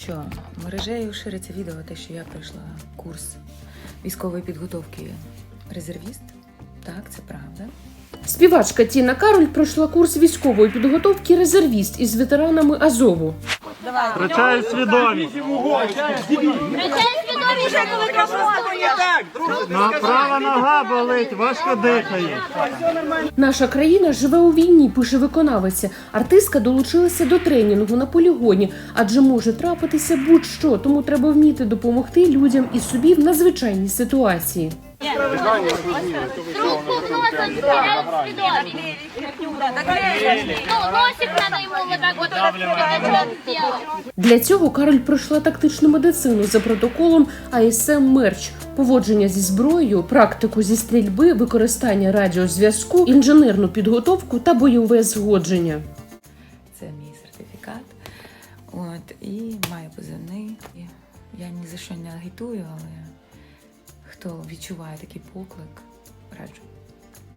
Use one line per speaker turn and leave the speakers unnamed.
що, мережею шириться відео, те, що я пройшла курс військової підготовки резервіст. Так, це правда.
Співачка Тіна Кароль пройшла курс військової підготовки резервіст із ветеранами Азову.
Втрачаю свідомість. Права нога болить, важко дихає.
Наша країна живе у війні, пише виконавиця. Артистка долучилася до тренінгу на полігоні, адже може трапитися будь-що, тому треба вміти допомогти людям і собі в надзвичайній ситуації.
Трубку в нос он теряет свидетель. Носик надо ему вот так вот сделать.
Для цього Кароль пройшла тактичну медицину за протоколом АСМ Мерч, поводження зі зброєю, практику зі стрільби, використання радіозв'язку, інженерну підготовку та бойове згодження.
Це мій сертифікат. І маю позивний. Я ні за що не агітую, але хто відчуває такий поклик, раджу.